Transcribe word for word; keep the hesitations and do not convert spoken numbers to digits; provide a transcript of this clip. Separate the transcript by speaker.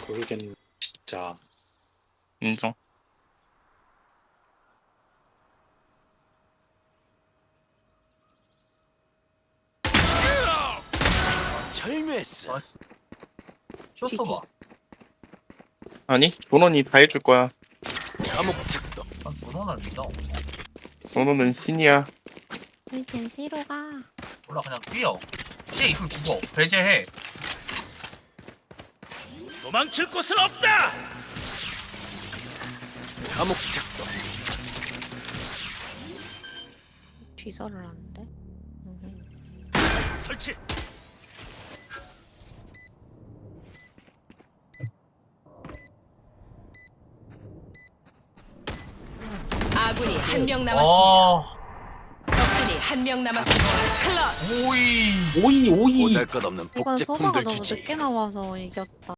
Speaker 1: 모르겠네 진짜.
Speaker 2: 인정.
Speaker 3: 절묘했어.
Speaker 4: 나이스. 쇼스봐.
Speaker 2: 아니 도넌이 다 해줄 거야.
Speaker 3: 감옥 작동.
Speaker 4: 난 전원을 믿어.
Speaker 2: 도넌은 신이야.
Speaker 5: 일단 C로 가.
Speaker 4: 몰라 그냥 뛰어. C에 있으면 죽어. 배제해.
Speaker 3: 도망칠 곳은 없다. 감옥 작동.
Speaker 5: 뒤설을 하는데. 음.
Speaker 3: 설치.
Speaker 6: 아군이 한 명 남았습니다.
Speaker 4: 아.
Speaker 6: 적군이 한 명 남았습니다. 클럿.
Speaker 4: 오이.
Speaker 1: 오이 오이.
Speaker 3: 보잘것없는
Speaker 5: 이건 소바가
Speaker 3: 복제품들
Speaker 5: 너무
Speaker 3: 주지.
Speaker 5: 늦게 나와서 이겼다.